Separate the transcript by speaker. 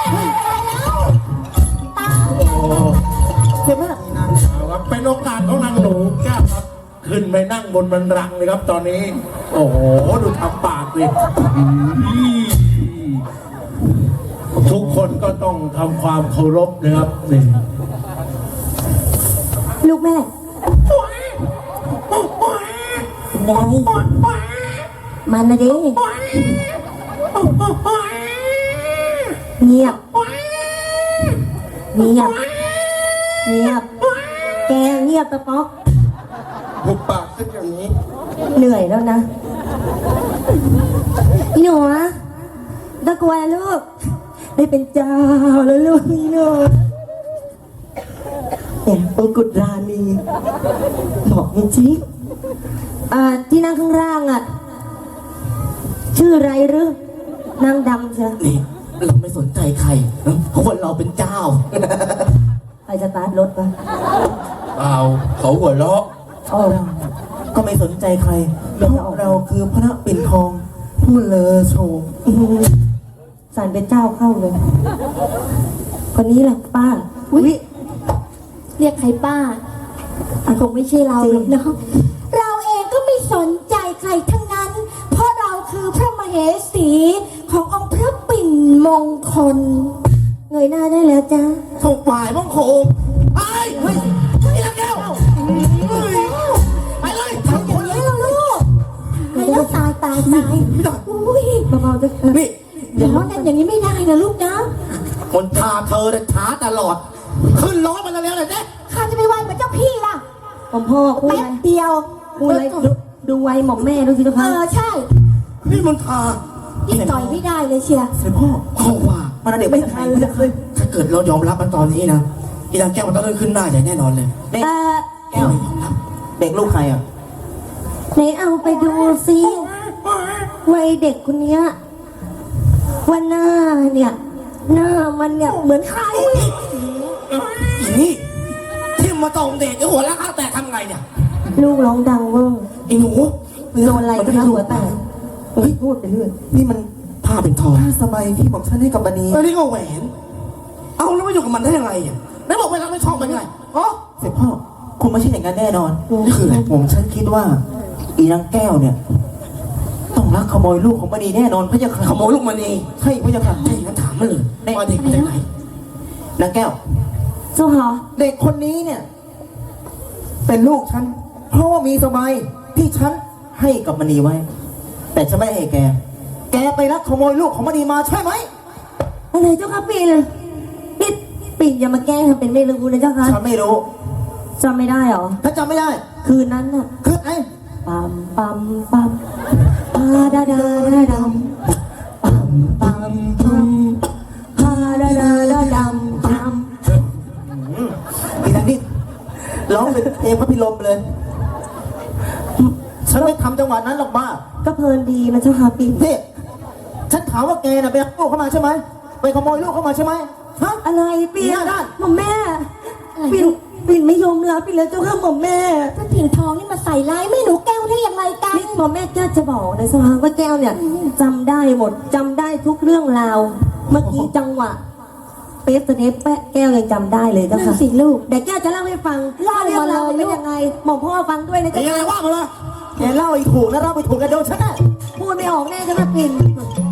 Speaker 1: เจ็บมากครับเป็นโอกาสของนางหนูแก้วครับขึ้นไปนั่งบนบันลังก์เลยครับตอนนี้โอ้โหดูทำปากสิทุกคนก็ต้องทำความเคารพนะครับนี่
Speaker 2: ลูกแม่ไงมันนะดิเงียบเงียบเงียบแกเงียบตะป๊อก
Speaker 1: หุบปากสักอย่างนี้
Speaker 2: เหนื่อยแล้วนะพี่หนูนะตะกวนลูกได้เป็นเจ้าแล้วลูกพี่หนูเนี่ยมงกุฎราณีเหมาะจริงที่นั่งข้างล่างอ่ะชื่ออะไรหรือนางดำใช่
Speaker 3: นี่เราไม่สนใจใครเพราะว่าเราเป็นเจ้า
Speaker 2: ไปสตาร์ทรถปะ
Speaker 1: เปล่าเขาหัวเราะ
Speaker 3: ก็ไม่สนใจใครเพราะเราคือพระปิ่นทองผู้เลอโฉม
Speaker 2: สารเป็นเจ้าเข้าเลยคนนี้แหละป้าอุ๊ยเรียกใครป้าคงไม่ใช่เราหรอกเนาะเราเองก็ไม่สนใจใครทั้งนั้นเพราะเราคือพระมเหสีขององค์พระปิ่นมงคลเงยหน้าได้แล้วจ้า
Speaker 3: ถูกฝ่ายมงคลไปเฮ้ยนี่ละแก้วไปเลย
Speaker 2: ทำคนนี้เราลูกไปแล้วตายอุ้ยเบาๆจะ
Speaker 3: นี่
Speaker 2: อย่าร้อนกันอย่างนี้ไม่ได้นะลูกนะ
Speaker 3: คนพาเธอเนี่ยช้าตลอดขึ้นร้อนมาแล้วเลยเนี่ย
Speaker 2: ข้าจะไปไหวเหมือนเจ้าพี่ล่ะผมพ่อพูดอะไรเดียวพูดอะไรดูไวหม่อมแม่ดูสิทุกคนใช่
Speaker 3: นี่มันพา
Speaker 2: ยิ่งต่อยไม่ได้เลยเชียร์
Speaker 3: เสด็จพ่อว่ามันเด็กไม่ทันเลยถ้าเกิดเรายอมรับมันตอนนี้นะอีนางแก้วมันต้องขึ้นหน้าใหญ่แน่นอนเลยแก้วยอมรับเด็กลูกใครอ่ะ
Speaker 2: ไหนเอาไปดูซิวัยเด็กคนนี้ว่าหน้าเนี่ยหน้ามันเนี่ยเหมือนใคร
Speaker 3: นี่ที่มาตองเด็กไอ้หัวล้างแตกทำไงเนี่ย
Speaker 2: ลูกร้องดังเวอร์
Speaker 3: ไอ้หนู
Speaker 2: โดนอะไรก็นะหัวแตกพูดไปเรื่อย
Speaker 3: นี่มันผ้าเป็นทองผ้าสบายที่ผมฉันให้กับบันนี้นี่ก็แหวนเอาแล้วมาอยู่กับมันได้ยังไงอ่ะไม่บอกเวลาไม่ชอบเป็นไงอ๋อเสร็จพ่อคงไม่ใช่อย่างนั้นแน่นอนนี่คืออะไรผมฉันคิดว่าอีนางแก้วเนี่ยต้องรักขโมยลูกของบันนี้แน่นอนเพราะจะขโมยลูกมันเองใช่เพราะจะทำใช่งั้นถามมาเลยว่าเด็กมาจากไหนนางแก้ว
Speaker 2: เจ้าค่ะ
Speaker 3: เด็กคนนี้เนี่ยเป็นลูกฉันเพราะว่ามีสบายที่ฉันให้กับมณีไว้แต่ฉันไม่ให้แกไปรักขโมยลูกของมณีมาใช่ไหม
Speaker 2: อะไรเจ้าค่ะปิ่นอย่ามาแกล้งทำเป็นไม่รู้นะเจ้าค่ะ
Speaker 3: ฉันไม่รู้
Speaker 2: จำไม่ได้หรอ
Speaker 3: ถ้าจำไม่ได้
Speaker 2: คืนนั้นน่ะ
Speaker 3: คืนไหน
Speaker 2: ปั๊มปาดาดาดำปั๊มปาดาดำปั๊ม
Speaker 3: อีนั่นนี่ร้องเป็นเพลงพระพิรมเลยฉันไม่ทำจังหวะนั้นหรอกบ้า
Speaker 2: ก็เพลินดีนะเจ้าค่ะปิ่น
Speaker 3: นี่ฉันถามว่าแกน่ะไปเอาลูกเข้ามาใช่ไหมไปขโมยลูกเข้ามาใช่ไหมฮะ
Speaker 2: อะไรปิ่นหม่อมแม่ปิ่นไม่ยอมรับปิ่นแล้วเจ้าค่ะหม่อมแม่ถ้าปิ่นทองนี่มาใส่ร้ายแม่หนูแก้วได้อย่างไรกันหม่อมแม่จะบอกนะสภาว่าแก้วเนี่ยจำได้หมดจำได้ทุกเรื่องราวเมื่อกี้จังหวะเป๊ะสเนปแก้วยังจำได้เลยเจ้าค่ะสิลูกเดี๋ยวแก้วจะเล่าให้ฟังเล่ามาเลยเป็นยังไงหม่อมพ่อฟังด้วยนะจ๊ะ
Speaker 3: ยังไงว่ามาเลยแกเล่าอีกถูกแล้วเล่าไปถูกกันโดนฉันพู
Speaker 2: ดไม่ออกแน่ใช่ไหมปิ่น